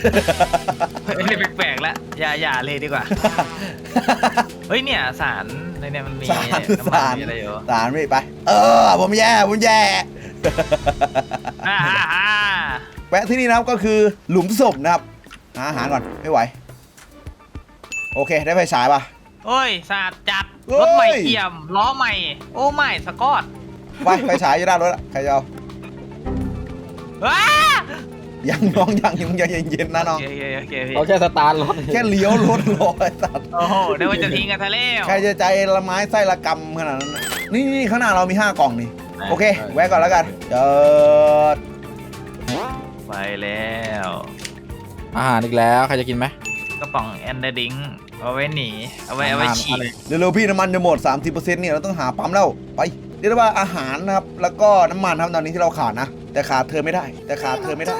Speaker 1: แปลกๆแล้วอย่าอย่าเลยดีกว่าเฮ้ยเนี่ยสารในเนี่ยมันมี
Speaker 2: สาร
Speaker 1: น้ำมัน
Speaker 2: สาร
Speaker 1: มีอะไรอยู่
Speaker 2: สารไม่ไป เออผมแย่ผมแย่
Speaker 1: อ่าอ่าอ่า
Speaker 2: แวะที่นี่นะครับก็คือหลุมศพนะครับหาอาหารก่อนไม่ไหวโอเคได้ไฟฉายป่ะ
Speaker 1: โอ้ยสะอาดจัด
Speaker 2: เฮ้ย
Speaker 1: รถใหม่เอี่ยมล้อใหม่ โอ้ไม่สกอต
Speaker 2: ไปไฟฉายอยู่ด้านรถอะใครจะเอา
Speaker 1: ว้า
Speaker 2: ยังน้องยังยังยังเย็นๆนะน้อง
Speaker 1: โอเคโอเคโอเคพี่
Speaker 3: เขาแค่สตาร์ทรถ
Speaker 2: แค่เลี้ยวรถรอไอ้สัตว์
Speaker 1: โอ้โหเดี๋ยวมันจะทิ้งกันทะเล
Speaker 2: ใครจะใจละไม้ไส้ละกำขนาดนั้นน่ะนี่นี่ข้างหน้าเรามีห้ากล่องนี่โอเคแวะก่อนแล้วกันเจิด
Speaker 1: ไปแล้ว
Speaker 3: อาหารอีกแล้วใครจะกินไหม
Speaker 1: กระป๋องแอนเดอร์ดิงเอาไว้หนีเอาไว้เอาไว้ฉีด
Speaker 2: เร็วๆพี่น้ำมันจะหมด สามสิบเปอร์เซ็นต์ เนี่ยเราต้องหาปั๊มแล้วไปเรียกได้ว่าอาหารนะครับแล้วก็น้ำมันครับตอนนี้ที่เราขาดนะแต่ขาดเธอไม่ได้ แต่ขาดเธอไม่ได้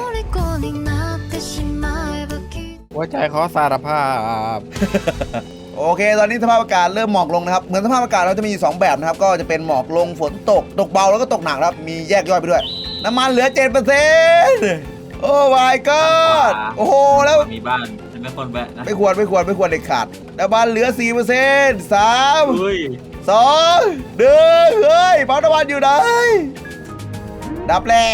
Speaker 3: หัวใจขอสารภาพ
Speaker 2: โอเค ตอนนี้สภาพอากาศเริ่มหมอกลงนะครับเหมือนสภาพอากาศเราจะมีสองแบบนะครับก็จะเป็นหมอกลงฝนตกตกเบาแล้วก็ตกหนักครับมีแยกย่อยไปด้วยน้ำมันเหลือ เจ็ดเปอร์เซ็นต์ โอ้ my god โอ้โหแล้ว
Speaker 4: มีบ้านจะไม่คนแวะนะ
Speaker 2: ไม่ควรไม่ควรไม่ควรเด็ดขาดน้ำมันเหลือ สี่เปอร์เซ็นต์ สาม
Speaker 4: เฮ้ย
Speaker 2: สองหนึ่งเฮ้ยปั๊มน้ำมันอยู่ไหนดับแล้ว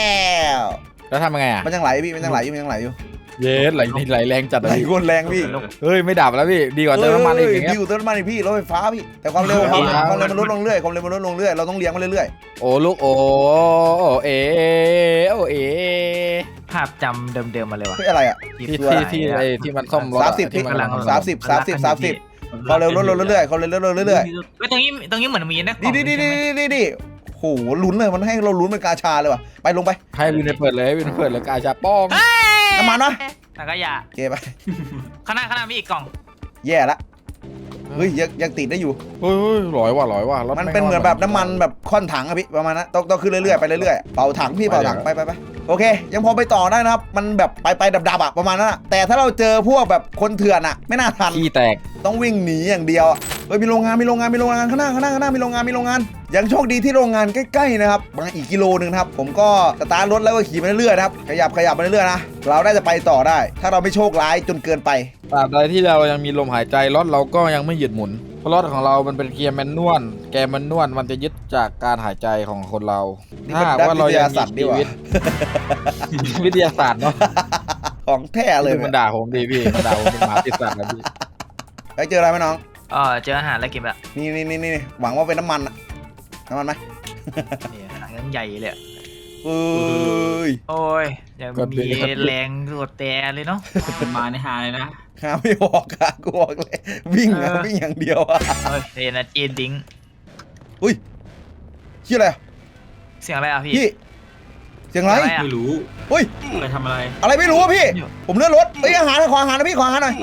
Speaker 3: แล้วทำยังไงอ่ะ
Speaker 2: มันยังไหลพี่มันยังไหลอยู่มันยังไหลอยู่
Speaker 3: เย็ดไหลไหลแรงจัด
Speaker 2: ไหล
Speaker 3: เลย
Speaker 2: โคตรแรงพี่
Speaker 3: เฮ้ยไม่ดับแล้วพี่ดีกว่าเติมน้ำมันอีกอย่างเงี้
Speaker 2: ดี
Speaker 3: ย
Speaker 2: กว่าเติมน้ำมันอีกพี่รถไฟฟ้าพี่แต่ความเร็วความความเร็วมันลดลงเรื่อยความเร็วมันลดลงเรื่อยเราต้องเลี้ยงมันเรื่อย
Speaker 3: โอ้ลูกโอ้เอโอเอ
Speaker 1: ภาพจำเดิมๆมาเลย
Speaker 2: ๆ
Speaker 1: ว่ะ
Speaker 2: เฮ้ยอะไรอ่ะ
Speaker 3: ที่ที่ที่ไอ้ที่มันซ่อมรถ
Speaker 2: สามสิบ
Speaker 3: ที่
Speaker 2: พี่
Speaker 3: มัน
Speaker 2: สามสิบสามสิบสามสิบความเร็วลดลงเรื่อยๆความเร็วลดลงเรื่อย
Speaker 1: เฮ้ยตรงนี้ตรงนี้เหมือนมีนะ
Speaker 2: ๆดีดีดีดีดีดีโหลุ้นเลยมันให้เราลุ้นเป็นกาชาเลยว่ะไปลงไป
Speaker 3: ให้วินเปิดเลยวินเปิดเลยกาชาป้อง
Speaker 2: น้ำมันวะ
Speaker 1: แล้วก็อย่า
Speaker 2: เกไป
Speaker 1: ข้างหน้าข้างหน้ามีอีกกล่อง
Speaker 2: แย่ละเฮ้ยยังยังติดได้อยู่
Speaker 3: เฮ้ยลอยว่ะลอยว่ะรถ
Speaker 2: มันเป็นเหมือนแบบน้ำมันแบบค่อนถังอะพี่ประมาณนั้นต้องต้องขึ้นเรื่อยๆไปเรื่อยๆเป่าถังพี่เป่าถังไปไปไปโอเค ยังพอไปต่อได้นะครับมันแบบไปไปดับๆอะประมาณนั้นอะแต่ถ้าเราเจอพวกแบบคนเถื่อนอะไม่น่าทัน
Speaker 3: ขี้แตก
Speaker 2: ต้องวิ่งหนีอย่างเดียวอะเฮ้ยมีโรงงานมีโรงงานมีโรงงานข้างหน้าข้างหน้าข้างหน้ามีโรงงานมีโรงงานยังโชคดีที่โรงงานใกล้ๆนะครับมาอีกกิโลนึงนะครับผมก็สตาร์ทรถแล้วก็ขี่ไปเรื่อยๆนะครับขยับขยับไปเรื่อยๆนะเราได้จะไปต่อได้ ถ้าเราไม่โชคร้ายจนเกินไป
Speaker 3: ตราบใดที่เรายังมีลมหายใจรถเราก็ยังไม่หยุดหมุนเพราะรถของเรามันเป็นเกียร์แมนนวลแกร์แมนนวลมันจะยึดจากการหายใจของคนเรา
Speaker 2: นี่
Speaker 3: ถ้า
Speaker 2: เป็น
Speaker 3: หากว่าเรายัง
Speaker 2: ด้านวิทยาศาสตร์ดี
Speaker 3: มี
Speaker 2: กว่า
Speaker 3: ชีวิต วิทยาศาสตร์เนาะ
Speaker 2: ของแท้เลย
Speaker 3: มันด่าผมดีพี่มันด่าผมเป็นหมาติดสัตว์นะพี่
Speaker 2: ไปเจออะไรไหมน้อง
Speaker 1: อ๋อเจออาหารแล้วกินไปละ
Speaker 2: นี่นี่นี่นี่หวังว่าเป็นน้ำมันอะน้ำมันไหม
Speaker 1: นี่อาหารใหญ่เลย
Speaker 2: เอ้ย
Speaker 1: โอ้ยยังมีแรงกดแต่เลยเนาะ
Speaker 4: มันมาในหาเลยนะ
Speaker 2: หาไม่ออกอะกูบอกเลยวิ่งอะ
Speaker 1: เออ
Speaker 2: วิ่งอย่างเดียวอะ
Speaker 1: เฮ้ยเรนจีนดิ้ง
Speaker 2: อุ้ยชื่ออะไรอะ
Speaker 1: เสียงอะไรอ่ะพี่
Speaker 2: พี่เสียงอะไร
Speaker 1: อะไรอะ
Speaker 4: ไม่รู้
Speaker 2: เฮ้ย
Speaker 4: ไปทำอะไร
Speaker 2: อะไรไม่รู้อะพี่ ผมเลื่อนรถเอ้ยอาหารขออาหารนะพี่ขออาหารหน่อย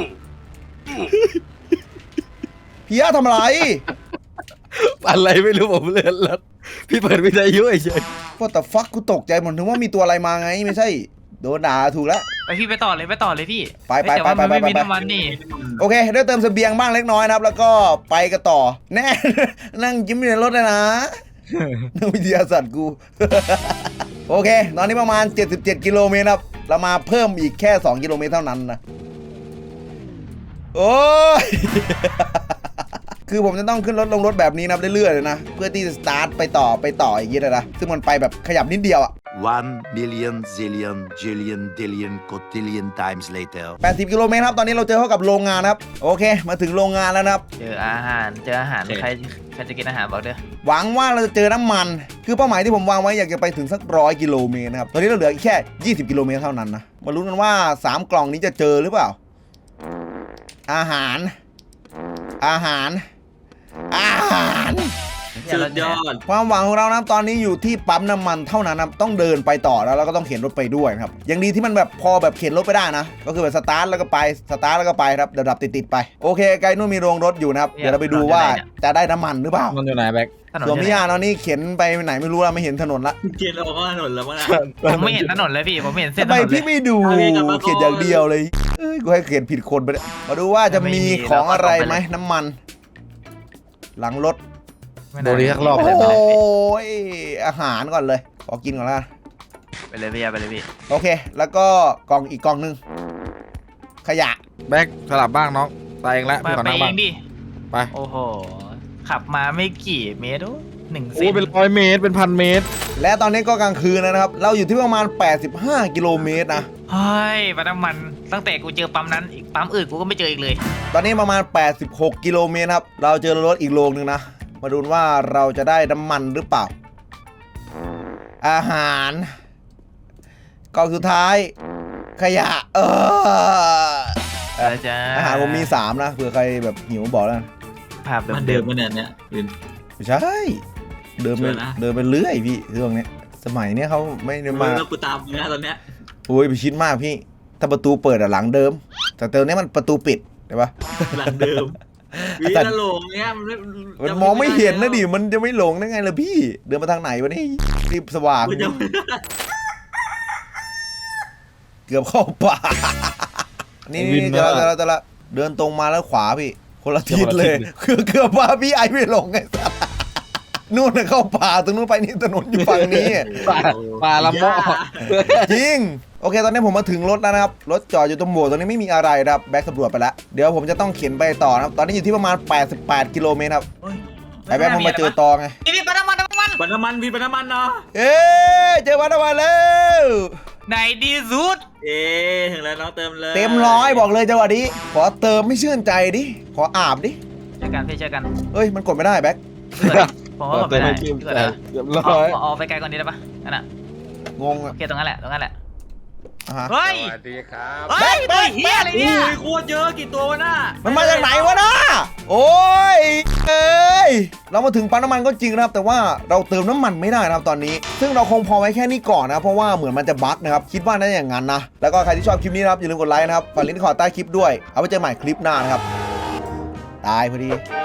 Speaker 2: พี่ยาทำอะไร
Speaker 3: อะไรไม่รู้ผมเลื่อนรถพี่เปิดวิทยุเฉย
Speaker 2: ก็แต่ฟักกูตกใจเหมือนถึงว่ามีตัวอะไรมาไงไม่ใช่โดนด่าถูกแล้ว
Speaker 1: ไปพี่ไปต่อเลยไปต่อเลยพี่
Speaker 2: ไปไป
Speaker 1: เฮ้ยแต่ว่า
Speaker 2: ไป
Speaker 1: มัน
Speaker 2: ไป
Speaker 1: ไม่
Speaker 2: ไป
Speaker 1: มีน้ำมันนี่
Speaker 2: โอเคได้เติมเสบียงบ้างเล็กน้อยนะครับ แล้วก็ไปกันต่อแน่ นั่งยิ้มอยู่ในรถเลยนะ นักวิทยาศาสตร์กู โอเค ตอนนี้ประมาณเจ็ดสิบเจ็ดกิโลเมตรครับเรามาเพิ่มอีกแค่สองกิโลเมตรเท่านั้นนะโอ้ย คือผมจะต้องขึ้นรถลงรถแบบนี้นะเรื่อยๆเลยนะเพื่อที่จะสตาร์ทไปต่อไปต่ออย่างนี้เลยนะซึ่งมันไปแบบขยับนิดเดียวอะ
Speaker 5: One million zillion jillion dillion cotillion times later.
Speaker 2: แปดสิบกิโลเมตรครับตอนนี้เราเจอเข้ากับโรงงานนะครับโอเค มาถึงโรงงานแล้วนะครับ
Speaker 1: เจออาหารเจออาหาร
Speaker 4: โอเค
Speaker 1: ใครใครจะกินอาหารบอกเด้อ
Speaker 2: หวังว่าเราจะเจอน้ำมัน คือเป้าหมายที่ผมวางไว้อยากจะไปถึงสักร้อยกิโลเมตรนะครับตอนนี้เราเหลือแค่ยี่สิบกิโลเมตรเท่านั้นนะมาลุ้นกันว่าสามกล่องนี้จะเจอหรือเปล่า อาหาร อาหาร อาหาร
Speaker 4: สุดยอด
Speaker 2: ความหวังของเรานะตอนนี้อยู่ที่ปั๊มน้ำมันเท่านั้นนะต้องเดินไปต่อแล้วแล้วก็ต้องเข็นรถไปด้วยนะครับยังดีที่มันแบบพอแบบเข็นรถไปได้นะก็คือแบบสตาร์ทแล้วก็ไปสตาร์ทแล้วก็ไปครับดับๆติดๆไปโอเคไกลนู่นมีโรงรถอยู่นะครับเดี๋ยวเราไปดูว่าจะได้น้ำมันหรือเปล่า
Speaker 3: มันอยู่ไหนแบ็ค
Speaker 1: ถนน
Speaker 2: ส่วน
Speaker 1: อยู่
Speaker 2: พี่
Speaker 1: ไหน
Speaker 2: ยาตอนนี้เข็นไปไหนไม่รู้แล้วไม่เห็นถนนละ
Speaker 4: เกียร์เราก็ถนนแล้วมั้งนะ
Speaker 1: ผมไม่เห็นถนนเลยพี่ผมไม่เห็นเส้น
Speaker 2: ทำ
Speaker 1: ถ
Speaker 2: ไม
Speaker 1: นนเล
Speaker 2: พี่
Speaker 1: ย
Speaker 2: ไม่ดู
Speaker 4: เอาเองกลับมาก่อน
Speaker 2: เขียนอย่างเดียวเลยเอ้ยกูให้เขียนผิดคนไปเลยมาดูว่าจะมีของอะไรไหมน้ำมัน หลังรถ
Speaker 1: ไม่
Speaker 3: โด
Speaker 1: น่าน
Speaker 3: ดีสักรอบ
Speaker 2: โอ้
Speaker 3: เลย
Speaker 2: โห
Speaker 3: ไหม
Speaker 2: อาหารก่อนเลย ขอกินก่อนละ
Speaker 1: ไปเลยพี่ไปเลยพี่
Speaker 2: โอเค แล้วก็กล่องอีกกล่องหนึงขยะ
Speaker 3: แบ็คสลับบ้างน้องตายเองแล้ว
Speaker 1: มา
Speaker 3: พี่ขอ
Speaker 1: ไป
Speaker 3: นั่ง
Speaker 1: เอ
Speaker 3: บ้าง
Speaker 1: งดิ
Speaker 3: ไป
Speaker 1: โอ้โหขับมาไม่กี่เมตรโอ้หนึ่งเซ
Speaker 3: โอ้
Speaker 1: น
Speaker 3: เป็นร้อยเมตรเป็นพันเมตร
Speaker 2: และตอนนี้ก็กลางคืนแล้วนะครับ เราอยู่ที่ประมาณแปดสิบห้ากิโลเมตรนะ
Speaker 1: เฮ้ยปั๊มน้ำมันตั้งแต่กูเจอปั๊มนั้นอีกปั๊มอื่นกูก็ไม่เจออีกเลย
Speaker 2: ตอนนี้ประมาณแปดสิบหกกิโลเมตรครับ เราเจอรถอีกโรงหนึ่งนะ มาดูว่าเราจะได้น้ำมันหรือเปล่า อาหารกล่องสุดท้ายขยะเออ
Speaker 1: อะไรจ้า
Speaker 2: อาหารผมมีสามนะเผื่อใครแบบหิวบอกแล้วกัน
Speaker 1: ภาพ
Speaker 4: มัน
Speaker 1: เดิ
Speaker 4: เดิ
Speaker 1: ม
Speaker 4: มมันเนี่ยเนี่ยวิน
Speaker 2: ไม่ใช่เดินไป
Speaker 4: ช่วยนะ
Speaker 2: เดินไปเรื่อยพี่เรื่องเนี้ยสมัยเนี้ยเขาไม่ได้
Speaker 4: มา
Speaker 2: มา
Speaker 4: แล้วกูตามมึงนะตอนเนี้ย
Speaker 2: โอ้ยไปชิดมากพี่ถ้าประตูเปิดอะหลังเดิม แต่เติมเนี้ยมันประตูปิดใช่ปะ
Speaker 4: หลังเดิมวิน
Speaker 2: แต่
Speaker 4: น่ะหลงเนี้ยมันไม่
Speaker 2: มันมองไม่เห็นนะดิมันจะไม่หลงได้ไงล่ะพี่เดินมาทางไหนวะนี่รีบสว่าง
Speaker 4: กูจำไม่ได้
Speaker 2: เกือบเข้าป่านี่นี่จะละจะละจะละเดินตรงมาแล้วขวาพี่คนละทิศเลยคือเกือบว่าพี่ไอไม่หลงไงสัสนู่นน่ะเข้าป่าตรงนู้นไปนี่ถนนอยู่ฝั่งนี้
Speaker 3: ปลาปลาละโมอ
Speaker 2: จริงโอเคตอนนี้ผมมาถึงรถแล้วนะครับรถจอดอยู่ตรงโบสถ์ตรงนี้ไม่มีอะไรนะครับแบ็คสำรวจไปแล้วเดี๋ยวผมจะต้องเข็นไปต่อนะครับตอนนี้อยู่ที่ประมาณแปดสิบแปดกิโลเมตรครับไอ้แบ็คมันมาเจอตอไง
Speaker 1: พี่พี่ปะน้ำมันน้ำมัน
Speaker 4: ปันน้ำมันวินปันน้ำมันเนาะ
Speaker 2: เอ๊ะเจอวันวันแล้ว
Speaker 1: ไหนดีสุด
Speaker 4: เอ๊ะถึงแล้วน้องเติมเลย
Speaker 2: เต็มร้อยบอกเลยจังหวะนี้ขอเติมไม่ชื่นใจดิขออาบดิ
Speaker 1: ช่วยกันพี่ช่วยกัน
Speaker 2: เอ้ยมันกดไม่ได้แบ็ค
Speaker 1: ผมว่าผมไม่ได้
Speaker 3: เติม
Speaker 1: พี่
Speaker 3: ให้
Speaker 1: ก่อน
Speaker 3: เรียบ
Speaker 1: นะ
Speaker 3: ร้อย
Speaker 1: เอาเอาไปไกลกว่านี้ได้ปะนั่นน่ะ
Speaker 2: งง
Speaker 1: โอ
Speaker 2: อะ
Speaker 1: เคตรงนั้นแหละตรงนั้นแหละ
Speaker 2: อ่ะฮะ
Speaker 1: เฮ้ย
Speaker 3: สวัสดีครับ
Speaker 1: เฮ้ยตัวเฮียอะไร
Speaker 4: โอ้
Speaker 1: เนี่ย
Speaker 4: ยโคตรเยอะกี่ตัววะน่ะ
Speaker 2: มันมาจากไหนวะนะโอ้ยเอ้ยเรามาถึงปั๊มน้ำมันก็จริงนะครับ แต่ว่าเราเติมน้ำมันไม่ได้นะครับตอนนี้ ซึ่งเราคงพอไว้แค่นี้ก่อนนะเพราะว่าเหมือนมันจะบั๊กนะครับคิดว่าน่าจะอย่างนั้นนะแล้วก็ใครที่ชอบคลิปนี้นะครับอย่าลืมกดไลค์นะครับฝากลิงก์ที่ขอใต้คลิปด้วยเอาไว้เจอใหม่คลิปหน้านะครับตายพอดี